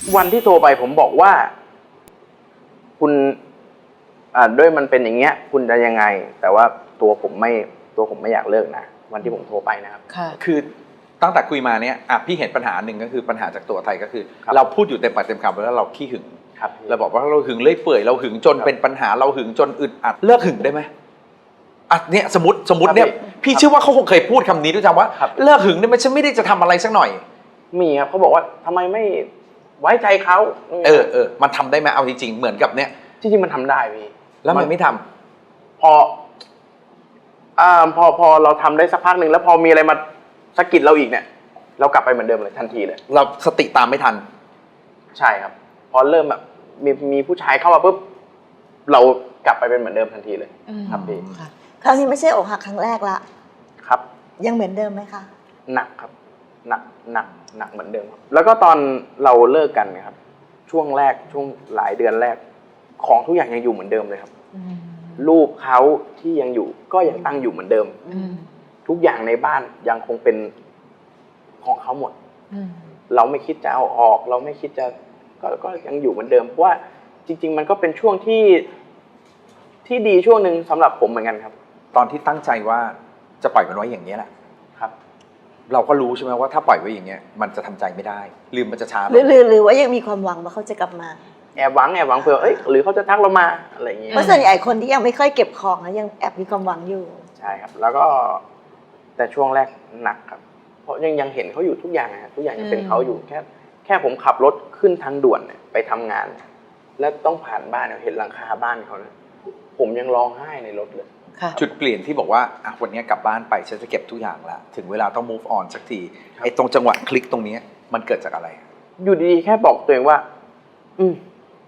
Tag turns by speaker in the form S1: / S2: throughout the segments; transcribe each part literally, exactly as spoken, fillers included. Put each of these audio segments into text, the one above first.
S1: วันที่โทรไปผมบอกว่าคุณอ่าด้วยมันเป็นอย่างเงี้ยคุณจะยังไงแต่ว่าตัวผมไม่ตัวผมไม่อยากเลิกนะวันที่ผมโทรไปนะครับ
S2: คือตั้งแต่คุยมาเนี้ยอ่ะพี่เห็นปัญหาหนึ่งก็คือปัญหาจากตัวไทยก็คือเราพูดอยู่เต็มปากเต็มคำแล้วเราขี้หึงเราบอกว่าเราหึงเลื่อยเปื่อยเราหึงจนเป็นปัญหาเราหึงจนอึดอัดเลิกหึงได้ไหมอ่ะเนี่ยสมมติสมมติเนี่ยพี่เชื่อว่าเขาคงเคยพูดคำนี้ด้วยซ้ำว่าเลิกหึงเนี่ยมันฉันไม่ได้จะทำอะไรสักหน่อย
S1: มีครับเขาบอกว่าทำไมไม่ไว้ใจเขา
S2: เออเออมันทำได้ไหมเอาจริงๆเหมือนกับเนี้ย
S1: จริงๆมันทำได้พี่
S2: แล้วมันไม่ท
S1: ำพออ่าพอพอเราทำได้สักพักหนึ่งแล้วพอมีอะไรมาสะกิดเราอีกเนี่ยเรากลับไปเหมือนเดิมเลยทันทีเลย
S2: เราสติตามไม่ทัน
S1: ใช่ครับพอเริ่มแบบมีมีผู้ชายเข้ามาปุ๊บเรากลับไปเป็นเหมือนเดิมทันทีเลยครับพี่
S3: คราวนี้ไม่ใช่อกหักครั้งแรกละ
S1: ครับ
S3: ยังเหมือนเดิมไหมคะ
S1: หนักครับหนักหนักหนักเหมือนเดิมครับแล้วก็ตอนเราเลิกกันนะครับช่วงแรกช่วงหลายเดือนแรกของทุกอย่างยังอยู่เหมือนเดิมเลยครับรูปเขาที่ยังอยู่ก็ยังตั้งอยู่เหมือนเดิมทุกอย่างในบ้านยังคงเป็นของเขาหมดเราไม่คิดจะเอาออกเราไม่คิดจะก็ก็ยังอยู่เหมือนเดิมเพราะว่าจริงๆมันก็เป็นช่วงที่ที่ดีช่วงหนึ่งสำหรับผมเหมือนกันครับ
S2: ตอนที่ตั้งใจว่าจะปล่อยมันไว้อย่างนี้แหละ
S1: ครับ
S2: เราก็รู้ใช่ไหมว่าถ้าปล่อยไว้อย่างเงี้ยมันจะทำใจไม่ได้ลืมมันจะช้า
S3: หรือหรือว่ายังมีความหวังว่าเขาจะกลับมา
S1: แอบหวังแอบหวังเผื่อเอ้ยหรือเขาจะทักเรามาอะไรอย่างเงี้ย
S3: เพราะส่วนใหญ่คนที่ยังไม่ค่อยเก็บของนะยังแอบมีความหวังอยู่
S1: ใช่ครับแล้วก็แต่ช่วงแรกหนักครับเพราะยังยังเห็นเขาอยู่ทุกอย่างนะทุกอย่างยังเป็นเขาอยู่แค่แค่ผมขับรถขึ้นทางด่วนไปทำงานแล้วต้องผ่านบ้านเห็นหลังคาบ้านเขานะผมยังร้องไห้ในรถเลย
S2: จุดเปลี่ยนที่บอกว่าอ่ะวันนี้กลับบ้านไปฉันจะเก็บทุกอย่างละถึงเวลาต้อง move on สักทีไอ้ตรงจังหวะคลิกตรงนี้มันเกิดจากอะไร
S1: อยู่ดีๆแค่บอกตัวเองว่าอืม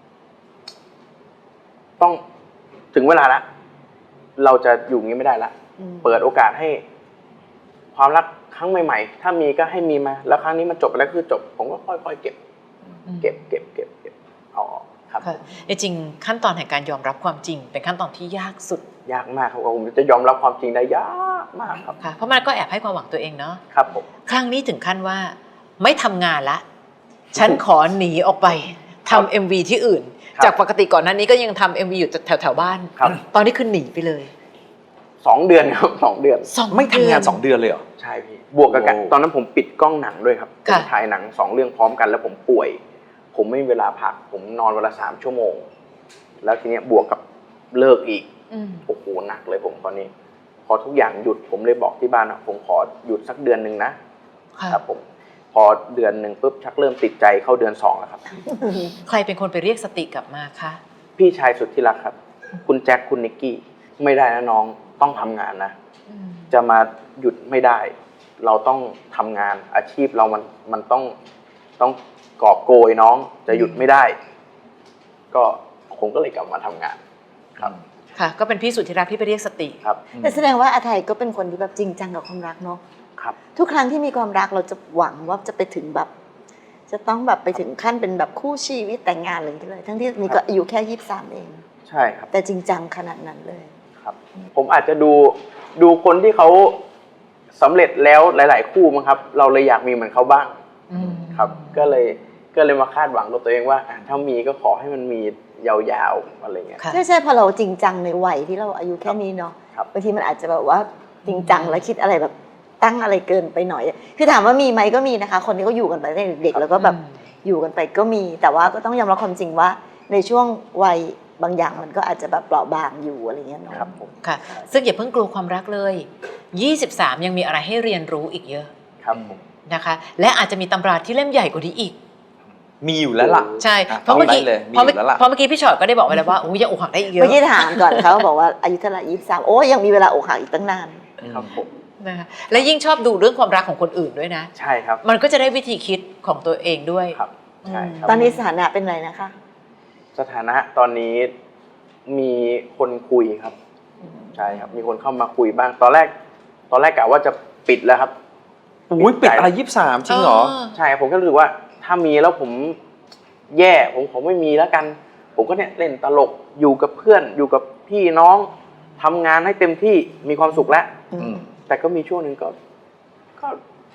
S1: ต้องถึงเวลาละเราจะอยู่งี้ไม่ได้ละเปิดโอกาสให้ความรักครั้งใหม่ๆถ้ามีก็ให้มีมาแล้วครั้งนี้มันจบไปแล้วคือจบผมก็ค่อยๆเก็บเก็บเก็บเก็บเก็บเอาออกครับ
S4: จริงๆขั้นตอนแห่งการยอมรับความจริงเป็นขั้นตอนที่ยากสุด
S1: ยากมากครับผมจะยอมรับความจริงได้ยากมากครับ
S4: ค่ะเพราะมันก็แอบให้ความหวังตัวเองเนาะ
S1: ครับผม
S4: ครั้งนี้ถึงขั้นว่าไม่ทำงานละฉันขอหนีออกไปทำ เอ็ม วี ที่อื่นจากปกติก่อนหน้านี้ก็ยังทำ เอ็ม วี อยู่แถวแถวบ้านตอนนี้คือหนีไปเลย
S1: สองเดือนครับสองเดือน
S2: ไม่ทำงานสองเดือนเลยเหรอ
S1: ใช่พี่บวกกับกันตอนนั้นผมปิดกล้องหนังด้วยครับผมถ่ายหนังสองเรื่องพร้อมกันแล้วผมป่วยผมไม่มีเวลาพักผมนอนวันละสามชั่วโมงแล้วทีเนี้ยบวกกับเลิกอีกโอ้โหหนักเลยผมตอนนี้พอทุกอย่างหยุดผมเลยบอกที่บ้านอ่ะผมขอหยุดสักเดือนหนึ่งนะครับผมพอเดือนหนึ่งปุ๊บชักเริ่มติดใจเข้าเดือนสองแล้วครับ
S4: ใครเป็นคนไปเรียกสติกลับมาคะ
S1: พี่ชายสุดที่รักครับคุณแจ็คคุณนิกกี้ไม่ได้นะน้องต้องทำงานนะจะมาหยุดไม่ได้เราต้องทำงานอาชีพเรามันมันต้องต้องกอบโกยน้องจะหยุดไม่ได้ก็ผมก็เลยกลับมาทำงานครับ
S4: ค่ะก็เป็นพี่สุดที่รักที่ไปเรียกสติ
S1: ครับ
S3: แต่แสดงว่าอาไทยก็เป็นคนที่แบบจริงจังกับความรักเนาะ
S1: ครับ
S3: ทุกครั้งที่มีความรักเราจะหวังว่าจะไปถึงแบบจะต้องแบบไปถึงขั้นเป็นแบบคู่ชีวิตแต่งงานเลยที่เลยทั้งที่มีก็อายุแค่ยี่สิบสามเอง
S1: ใช่ครับ
S3: แต่จริงจังขนาดนั้นเลย
S1: ครับผมอาจจะดูดูคนที่เขาสำเร็จแล้วหลายๆคู่มั้งครับเราเลยอยากมีเหมือนเขาบ้างครับก็เลยก็เลยมาคาดหวังกับตัวเองว่าถ้ามีก็ขอให้มันมียาวๆอะไรเงี้ย
S3: ใช่ใช่พอเราจริงจังในวัยที่เราอายุแค่นี้เนาะบางทีมันอาจจะแบบว่าจริงจังแล้วคิดอะไรแบบตั้งอะไรเกินไปหน่อยคือถามว่ามีไหมก็มีนะคะคนที่เขาอยู่กันไปตั้งแต่เด็กๆแล้วก็แบบอยู่กันไปก็มีแต่ว่าก็ต้องยอมรับความจริงว่าในช่วงวัยบางอย่างมันก็อาจจะแบบเปราะบางอยู่อะไรเงี้ยเนาะ
S1: ครับผม
S4: ค่ะซึ่งอย่าเพิ่งกลัวความรักเลยยี่สิบสามยังมีอะไรให้เรียนรู้อีกเยอะ
S1: ครับผม
S4: นะคะและอาจจะมีตำราที่เล่มใหญ่กว่านี้อีก
S2: มีอยู่แล้วล่ะ
S4: ใช่เพราะเมื่อกี้เพราะเมื่อกี้พี่ชอตก็ได้บอกไว้แล้วว่าโอ้ยยังอกหักได้อีกเยอะ
S3: เมื่อกี้ถามก่อนเขาบอกว่าอายุเท่าไหร่ยี่สิบสามโอ้ยังมีเวลาอกหักอีกตั้งนาน
S1: ครับผม
S4: นะคะและยิ่งชอบดูเรื่องความรักของคนอื่นด้วยนะ
S1: ใช่ครับ
S4: มันก็จะได้วิธีคิดของตัวเองด้วย
S1: ครับใช่ครับ
S3: ตอนนี้สถานะเป็นไรนะคะ
S1: สถานะตอนนี้มีคนคุยครับใช่ครับมีคนเข้ามาคุยบ้างตอนแรกตอนแรกกะว่าจะปิดแล้วครับ
S2: อุ้ยปิดอะไรยี่สิบสามจริงเหรอ
S1: ใช่ผมก็รู้สึกว่าถ้ามีแล้วผมแย่ผมผมไม่มีแล้วกันผมก็เนี่ยเล่นตลกอยู่กับเพื่อนอยู่กับพี่น้องทำงานให้เต็มที่มีความสุขแล้วแต่ก็มีช่วงหนึ่งก็ก็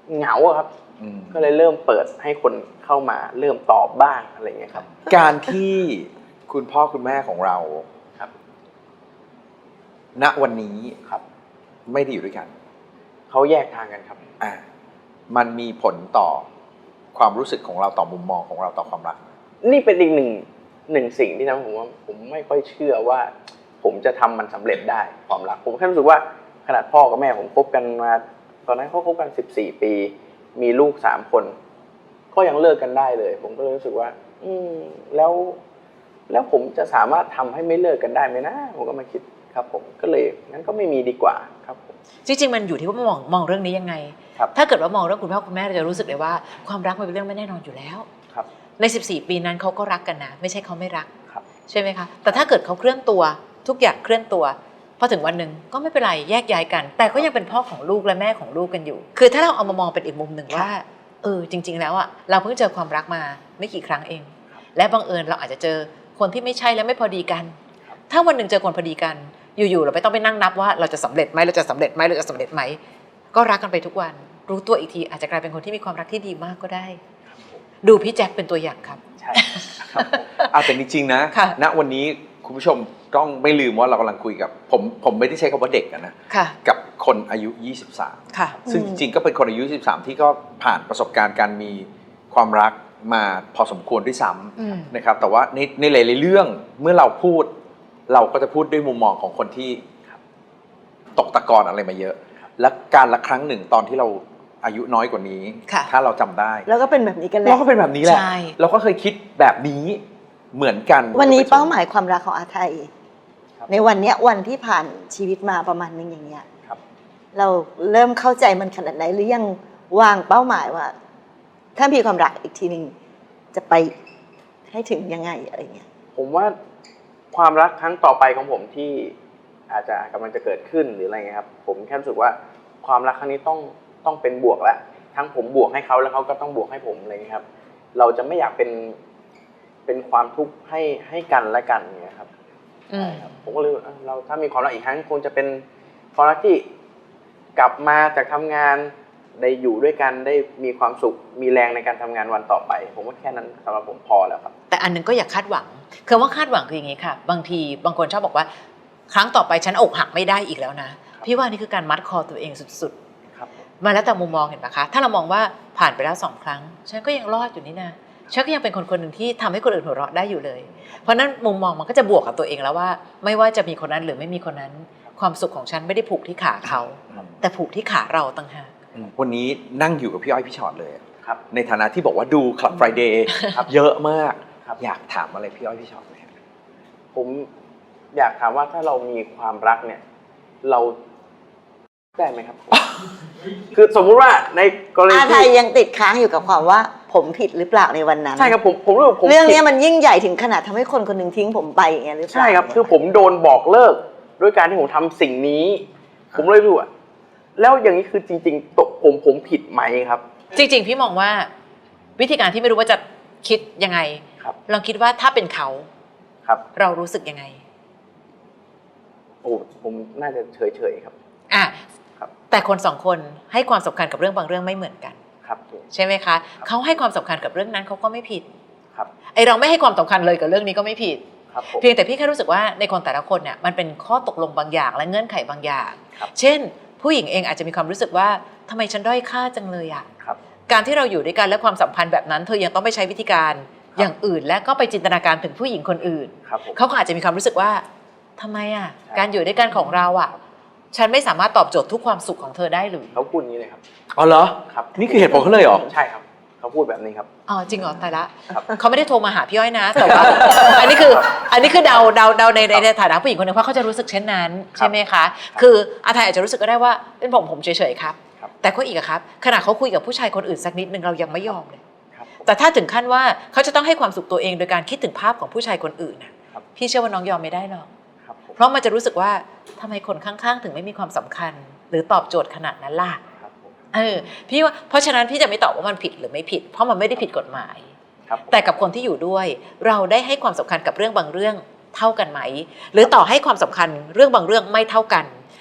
S1: เหงาอะครับ
S2: อืม
S1: ก็เลยเริ่มเปิดให้คนเข้ามาเริ่มตอบบ้างอะไรเงี้ยครับ
S2: การที่คุณพ่อคุณแม่ของเรา
S1: ครับ
S2: ณวันนี้
S1: ครับ
S2: ไม่ได้อยู่ด้วยกัน
S1: เขาแยกทางกันครับ
S2: อ่ามันมีผลต่อความรู้สึกของเราต่อมุมมองของเราต่อความรัก
S1: นี่เป็นอีกหนึ่งหนึ่งสิ่งที่ทำให้ผมว่าผมไม่ค่อยเชื่อว่า ผมจะทำมันสำเร็จได้ความรักผมแค่รู้สึกว่าขนาดพ่อกับแม่ผมคบกันมาตอนนั้นเขาคบกันสิบสี่ปี มีลูกสามคน ก็ยังเลิกกันได้เลย ผมก็เลยรู้สึกว่า อืมแล้ว แล้วผมจะสามารถทำให้ไม่เลิกกันได้ไหมนะผมก็มาคิดครับ ผมก็เลยงั้นก็ไม่มีดีกว่าครับผม
S4: จริงๆมันอยู่ที่ว่ามองมองเรื่องนี้ยังไง
S1: ครับ
S4: ถ้าเกิดว่ามองเรื่องคุณพ่อคุณแม่เราจะรู้สึกเลยว่าความรักมันเป็นเรื่องไม่แน่นอนอยู่แล้ว
S1: ครับ
S4: ในสิบสี่ปีนั้นเขาก็รักกันนะไม่ใช่เขาไม่รัก
S1: ครับ
S4: ใช่ไหมคะแต่ถ้าเกิดเขาเคลื่อนตัวทุกอย่างเคลื่อนตัวพอถึงวันหนึ่งก็ไม่เป็นไรแยกย้ายกัน แต่ก็ยังเป็นพ่อของลูกและแม่ของลูกกันอยู่ คือถ้าเราเอามามองเป็นอีกมุมหนึ่งว่าเออจริง ๆ แล้วอ่ะเราเพิ่งเจอความรักมาไม่กี่ครั้งเอง และบังเอิญเราอาจจะเจอคนที่ไม่ใช่และไม่พอดีกัน ถ้าวันหนึ่งเจอคนพอดีกันอยู่ๆเราไม่ต้องไปนั่งนับว่าเราจะสำเร็จไหมเราจะสำเร็จไหมเราจะสำเร็จไหมก็รักกันไปทุกวันรู้ตัวอีกทีอาจจะกลายเป็นคนที่มีความรักที่ดีมากก็ได้ ดูพี่แจ็คเป็นตัวอย่างครับ
S1: ใช่ครับผม
S2: อ่ะแต่จริงๆนะ
S4: ค่ะ
S2: ณวันนี้คุณผู้ชมต้องไม่ลืมว่าเรากำลังคุยกับผมผมไม่ได้ใช้คำว่าเด็กอะนะ
S4: ค่ะ
S2: กับคนอายุยี่สิบสาม
S4: ค่ะ
S2: ซึ่งจริงๆก็เป็นคนอายุยี่สิบสามที่ก็ผ่านประสบการณ์การมีความรักมาพอสมควรด้วยซ้
S4: อืม
S2: ำนะครับแต่ว่าในในหลายๆเรื่องเมื่อเราพูด เราก็จะพูดด้วยมุมมองของคนที่ตกตะกอนอะไรมาเยอะ และการละครั้งหนึ่งตอนที่เราอายุน้อยกว่านี้
S4: ค่ะ
S2: ถ้าเราจำได้
S3: แล้วก็เป็นแบบนี้กันแหละ
S2: เราก็เป็นแบบนี้แหละ
S4: ใช่
S2: เราก็เคยคิดแบบนี้เหมือนกัน
S3: วันนี้เป้าหมายความรักของอาไทย
S1: ครับ
S3: ในวันเนี้ยวันที่ผ่านชีวิตมาประมาณนึงอย่างเงี้ย
S1: ครับ
S3: เราเริ่มเข้าใจมันขนาดไหนหรือยังวางเป้าหมายว่า ถ้ามีความรักอีกทีหนึ่งจะไปให้ถึงยังไงอะไรเงี้ย
S1: ผมว่าความรักครั้งต่อไปของผมที่อาจจะกำลังจะเกิดขึ้นหรืออะไรเงี้ยครับผมแค่รู้สึกว่าความรักครั้งนี้ต้องต้องเป็นบวกแล้วทั้งผมบวกให้เขาแล้วเขาก็ต้องบวกให้ผมอะไรเงี้ยครับ เราจะไม่อยากเป็นเป็นความทุกข์ให้ให้กันและกันเงี้ยครับ
S4: อืม
S1: ผมก็เลยเอ้าเราถ้ามีความรักอีกครั้งคงจะเป็นความรักที่กลับมาจากทำงานได้อยู่ด้วยกันได้มีความสุขมีแรงในการทำงานวันต่อไป ผมว่าแค่นั้นสำหรับผมพอแล้วครับ
S4: แต่อันหนึงก็อย่าคาดหวังคือว่าคาดหวังคืออย่างนี้ค่ะ บางทีบางคนชอบบอกว่า ครั้งต่อไปฉันอกหักไม่ได้อีกแล้วนะ พี่ว่านี่คือการมัดคอตัวเองสุด
S1: ครับผม
S4: ๆ มาแล้วแต่มุมมองเห็นปะคะ ถ้าเรามองว่าผ่านไปแล้วสองครั้ง ฉันก็ยังรอดอยู่นี่นะฉันก็ยังเป็นคนคนหนึ่งที่ทำให้คนอื่นหัวเราะได้อยู่เลย เพราะนั้นมุมมองมันก็จะบวกกับตัวเองแล้วว่า ไม่ว่าจะมีคนนั้นหรือไม่มีคนนั้น ความสุขของฉันไม่ได้ผูกที่ขาเขา แต่ผูกที่ขาเราต่างหาก
S2: วันนี้นั่งอยู่กับพี่อ้อยพี่ชอตเลย
S1: ครับ
S2: ในฐานะที่บอกว่าดูคลับ Friday
S1: ครับ
S2: เยอะมาก
S1: ครับ
S2: อยากถามอะไรพี่อ้อยพี่ชอตไหมครับ
S1: ผมอยากถามว่าถ้าเรามีความรักเนี่ย เราได้ไหมครับ คือสมมุติว่าในกรณี
S3: อาไทย
S1: ที่
S3: ยังติดค้างอยู่กับความว่าผมผิดหรือเปล่าในวันนั้น
S1: ใช่ครับผมผมรู้สึกผม
S3: เรื่องเนี้ย
S1: ผิด
S3: มันยิ่งใหญ่ถึงขนาดทำให้คนคนหนึ่งทิ้งผมไปอย่างเงี้ยหรือเปล่า
S1: ใช่ครับคือผมโดนบอกเลิกด้วยการที่ผมทำสิ่งนี้ ผมเลยรู้อะแล้วอย่างนี้คือจริงๆตกผมผมผิดไหมครับ
S4: จริงๆ พี่มองว่าวิธีการที่ไม่รู้ว่าจะคิดยังไง
S1: ครับ
S4: ลองคิดว่าถ้าเป็นเขา
S1: ครับ
S4: เรารู้สึกยังไง
S1: โอ้ผมน่าจะเฉยๆครับ
S4: อ่ะ
S1: ครับ
S4: แต่คนสองคนให้ความสำคัญกับเรื่องบางเรื่องไม่เหมือนกัน
S1: ครับผม
S4: ใช่ไหมคะเขาให้ความสำคัญกับเรื่องนั้นเขาก็ไม่ผิด
S1: ครับ
S4: ไอเราไม่ให้ความสำคัญเลยกับเรื่องนี้ก็ไม่ผิด
S1: ครับผม
S4: เพียงแต่พี่แค่รู้สึกว่าในคนแต่ละคนเนี่ยมันเป็นข้อตกลงบางอย่างและเงื่อนไขบางอย่าง
S1: ครับ
S4: เช่น ผู้หญิงเองอาจจะมีความรู้สึกว่าทำไมฉันด้อยค่าจังเลยอะ
S1: ครับ
S4: การที่เราอยู่ด้วยกันและความสัมพันธ์แบบนั้นเธอยังต้องไปใช้วิธีการอย่างอื่น และก็ไปจินตนาการถึงผู้หญิงคนอื่น
S1: ครับผม
S4: เขาก็อาจจะมีความรู้สึกว่าทำไมอ่ะ
S1: ใช่
S4: การอยู่ด้วยกันของเราอ่ะ ฉันไม่สามารถตอบโจทย์ทุกความสุขของเธอได้หรือ
S1: เขาพูดอย่างนี้เลยครับ
S2: อ๋อเหรอ
S1: ครับ
S2: นี่คือเหตุผลเขาเลยเหรอ
S1: ใช่ครับ เขาพูดแบบนี้ครับ
S4: อ๋อจริงเหรอตายละ
S1: ครับ
S4: เขาไม่ได้โทรมาหาพี่อ้อยนะแต่ว่า อันนี้คืออันนี้คือเดาเดาเดาในในในฐานะผู้หญิงคนหนึ่งเพราะเขาจะรู้สึกเช่นนั้นใช่ไหมคะคืออาทัยอาจจะรู้สึกก็ได้ว่าเป็นผมผมเฉยๆครับ
S1: ครับ
S4: แต่ก็อีกอะครับขณะเขาคุยกับผู้ชายคนอื่นสักนิดนึงเรายังไม่ยอมเลย
S1: ครับผม
S4: แต่ถ้าถึงขั้นว่าเขาจะต้องให้ความสุขตัวเองโดยการคิดถึงภาพของผู้ชายคนอื่นน่ะ
S1: ครับ
S4: พี่เชื่อว่าน้องยอมไม่ได้หรอก
S1: ครับผม
S4: เพราะมันจะรู้สึกว่าทำไมคนข้างๆ ถึงไม่มีความสำคัญ หรือตอบโจทย์ขนาดนั้นล่ะ
S1: ครับผม
S4: เออพี่ว่าเพราะฉะนั้นพี่จะไม่ตอบว่ามันผิดหรือไม่ผิด เพราะมันไม่ได้ผิดกฎหมาย
S1: ครับผม
S4: แต่กับคนที่อยู่ด้วย เราได้ให้ความสำคัญกับเรื่องบางเรื่องเท่ากันไหม หรือต่อให้ความสำคัญเรื่องบางเรื่องไม่เท่ากัน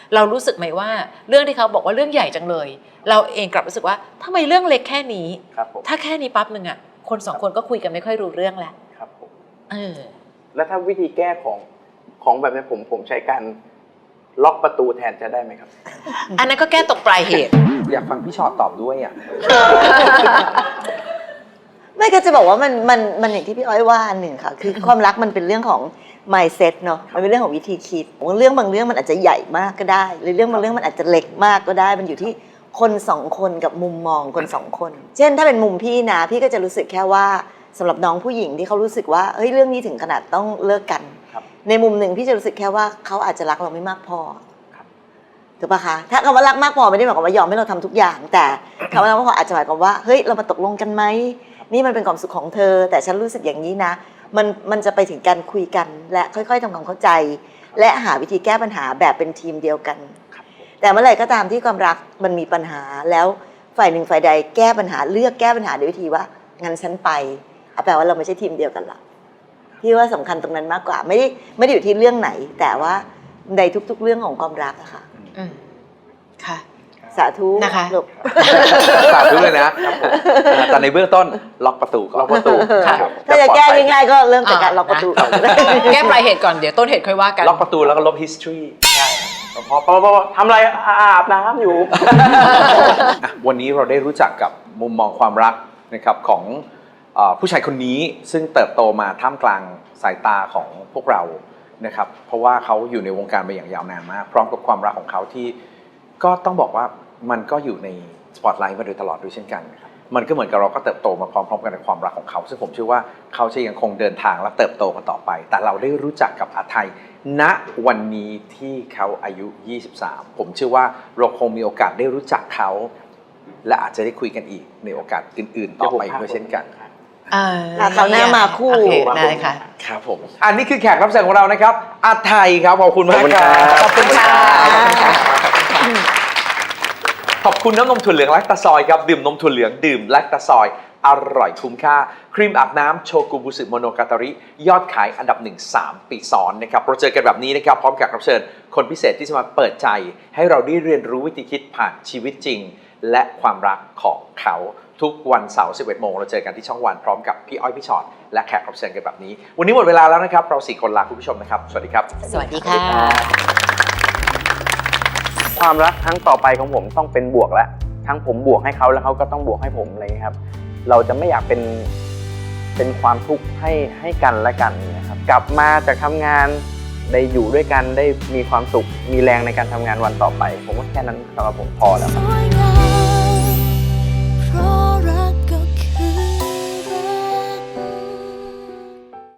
S4: เรารู้สึกไหมว่าเรื่องที่เขาบอกว่าเรื่องใหญ่จังเลย เราเองกลับรู้สึกว่าทำไมเรื่องเล็กแค่นี้
S1: ครับผม
S4: ถ้าแค่นี้ปั๊บหนึ่งอ่ะคนสองคนก็คุยกันไม่ค่อยรู้เรื่องแล้ว
S1: ครับผม
S4: เออ
S1: แล้วถ้าวิธีแก้ของของแบบนี้ผมผมใช้การล็อกประตูแทนจะได้ไหมครับ
S4: อันนั้นก็แก้ตรงปลายเหตุ
S2: อยากฟังพี่ชอตตอบด้วยอ่ะ
S3: ไม่ก็จะบอกว่ามันมันมันอย่างที่พี่อ้อยว่าหนึ่งค่ะ คือความรักมันเป็นเรื่องของ mindset เนาะมันเป็นเรื่องของวิธีคิดเรื่องบางเรื่องมันอาจจะใหญ่มากก็ได้หรือเรื่องบางเรื่องมันอาจจะเล็กมากก็ได้ มันอยู่ที่คนสองคนกับมุมมองคนสองคน เช่นถ้าเป็นมุมพี่นะพี่ก็จะรู้สึกแค่ว่าสำหรับน้องผู้หญิงที่เขารู้สึกว่าเฮ้ยเรื่องนี้ถึงขนาดต้องเลิกกัน
S1: ครับ
S3: ในมุมหนึ่งพี่จะรู้สึกแค่ว่าเขาอาจจะรักเราไม่มากพอ
S1: ครับ
S3: ถูกปะคะถ้าคำว่ารักมากพอไม่ได้หมายความว่ายอมให้เราทำทุกอย่าง แต่คำว่ารักมากพออาจจะหมายความว่าเฮ้ยเรามาตกลงกันไหมนี่มันเป็นความสุขของเธอ แต่ฉันรู้สึกอย่างนี้นะมันมันจะไปถึงการคุยกันและค่อยๆทำความเข้าใจ และหาวิธีแก้ปัญหาแบบเป็นทีมเดียวกัน
S1: ครับผม
S3: แต่เมื่อไหร่ก็ตามที่ความรักมันมีปัญหาแล้วฝ่ายหนึ่งฝ่ายใดแก้ปัญหาเลือกแก้ปัญหาด้วยวิธีว่างั้นฉันไปเอาแปลว่าเราไม่ใช่ทีมเดียวกันละพี่ว่าสำคัญตรงนั้นมากกว่าไม่ได้ไม่ได้อยู่ที่เรื่องไหน แต่ว่าในทุกๆเรื่องของความรักอะค่ะ
S4: อืมค่ะ
S3: สาธุ
S4: นะคะ
S3: ลูก
S2: สาธุเลยนะแต่ในเบื้องต้นล็อกประตูก่อน
S1: ล็อกประตู
S4: ค่ะ
S1: ครับ
S3: ถ้าจะแก้ง่ายๆก็เริ่มจากการล็อกประตูก่อน
S4: แก้ปลายเหตุก่อนเดี๋ยวต้นเหตุค่อยว่ากัน
S2: ล็อกประตูแล้วก็ลบ history
S1: ใช่พอพอพอทำอะไรอาบน้ำอยู่
S2: อ่ะวันนี้เราได้รู้จักกับมุมมองความรักนะครับของเอ่อผู้ชายคนนี้ซึ่งเติบโตมาท่ามกลางสายตาของพวกเรานะครับเพราะว่าเขาอยู่ในวงการมาอย่างยาวนานมาก พร้อมกับความรักของเขาที่ก็ต้องบอกว่ามันก็อยู่ในสปอตไลท์มาโดยตลอดด้วยเช่นกันนะครับมันก็เหมือนกับเราก็เติบโตมาพร้อมๆกันในความรักของเขา ซึ่งผมเชื่อว่าเขาจะยังคงเดินทางและเติบโตกันต่อไป แต่เราได้รู้จักกับอาไทยณวันนี้ที่เขาอายุ ยี่สิบสาม ผมเชื่อว่าเราคงมีโอกาสได้รู้จักเขา และอาจจะได้คุยกันอีกในโอกาสอื่นๆ ต่อไปด้วยเช่นกัน
S4: เออ
S3: อ่ะคราวหน้ามาคู่
S4: โอเคได้ค่ะ
S2: ครับผมอันนี้คือแขกรับเชิญของเรานะครับอาไทยครับขอบคุณมากครับ
S4: ขอบคุณค่ะ
S2: ขอบคุณน้ำนมถั่วเหลืองแลคตาซอยครับดื่มนมถั่วเหลืองดื่มแลคตาซอยอร่อยคุ้มค่าครีมอาบน้ำโชกุบุสึโมโนกาตาริยอดขายอันดับหนึ่ง สามปีซ้อนนะครับเราเจอกันแบบนี้นะครับพร้อมกับรับเชิญคนพิเศษที่จะมาเปิดใจให้เราได้เรียนรู้วิธีคิดผ่านชีวิตจริง และความรักของเขาทุกวันเสาร์ สิบเอ็ดโมงเราเจอกันที่ช่องวันพร้อมกับพี่อ้อยพี่ชอตและแขกรับเชิญกันแบบนี้วันนี้หมดเวลาแล้วนะครับเราสี่คนลาคุณผู้ชมนะครับสวัสดีครับ
S4: สวัสดีค่ะ
S1: ความรักครั้งต่อไปของผมต้องเป็นบวกแล้วทั้งผมบวกให้เขาแล้วเขาก็ต้องบวกให้ผมอะไรอย่างเงี้ยครับ เราจะไม่อยากเป็นเป็นความทุกข์ให้ให้กันและกันนะครับกลับมาจากทำงานได้อยู่ด้วยกันได้มีความสุขมีแรงในการทำงานวันต่อไป ผมว่าแค่นั้นสำหรับผมพอแล้ว
S5: สวยง